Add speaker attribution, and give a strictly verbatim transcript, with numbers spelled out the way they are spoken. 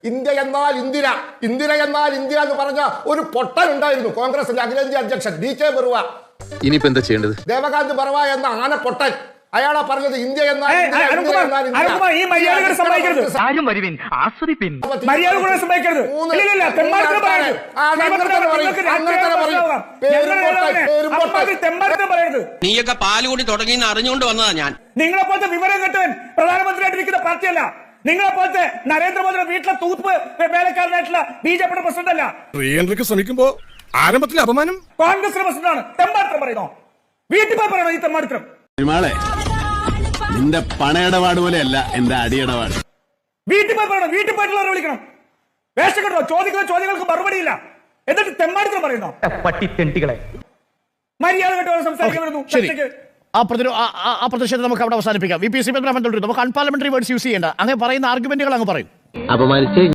Speaker 1: India എന്നാൽ ഇന്ദിര, ഇന്ദിര എന്നാൽ India എന്ന് പറഞ്ഞ ഒരു പൊട്ടൻ ഉണ്ടായിരുന്നു കോൺഗ്രസിന്റെ അഖിലേന്ത്യാ അധ്യക്ഷൻ ഡി കെ ബറുവ.
Speaker 2: ഇനിയിപ്പോ എന്താ ചെയ്യേണ്ടത്?
Speaker 1: ദേവകാന്ത് ബറുവ എന്ന ആന പൊട്ടൻ, അയാളാ പറഞ്ഞത് ഇന്ത്യ എന്നാൽ
Speaker 3: നീയൊക്കെ പാല് കൂടി തുടങ്ങി അറിഞ്ഞുകൊണ്ട് വന്നതാ ഞാൻ.
Speaker 4: നിങ്ങളെ പോലത്തെ വിവരം കെട്ടവൻ പ്രധാനമന്ത്രിയായിട്ടിരിക്കുന്ന പാർട്ടിയല്ല. നിങ്ങളെ പോലത്തെ നരേന്ദ്രമോദിയുടെ വീട്ടിലെ തൂത്ത് വേലക്കാരനായിട്ടുള്ള ബി ജെ പിയുടെ പ്രസിഡന്റ് അല്ല.
Speaker 5: പ്രിയങ്കയ്ക്ക് ശ്രമിക്കുമ്പോ ആരംഭത്തിലെ അപമാനം
Speaker 4: കോൺഗ്രസിന്റെ പ്രസിഡന്റാണ്. തെമ്മാത്രം പറയുന്നോ? വീട്ടിൽ പോയി പറയണോ ഈ തെമ്മാത്രം?
Speaker 6: നിന്റെ പണയിടപാട് പോലെയല്ല എന്റെ അടിയിടപാട്.
Speaker 4: വീട്ടിൽ പോയി പറയണം, വീട്ടിൽ പോയിട്ടുള്ളവരെ വിളിക്കണം. വേഷം കേട്ടോ, ചോദിക്കുന്ന ചോദ്യങ്ങൾക്ക് മറുപടിയില്ല, എന്നിട്ട് തെമ്മാടിത്തരം പറയുന്നോ?
Speaker 7: പട്ടിത്തെണ്ടികളെ
Speaker 4: മര്യാദ കേട്ടോ സംസാരിക്കുന്നു.
Speaker 8: ആ പ്രതിഷേധം നമുക്ക് അവിടെ അവസാനിപ്പിക്കാം. വി പി സി തുടരും. നമുക്ക് അൺപാർലമെന്ററി വേർഡ്സ് യൂസ് ചെയ്യേണ്ട. അങ്ങനെ പറയുന്ന ആർഗ്യുമെന്റുകൾ അങ്ങ് പറയും.
Speaker 7: അപമാനിച്ച്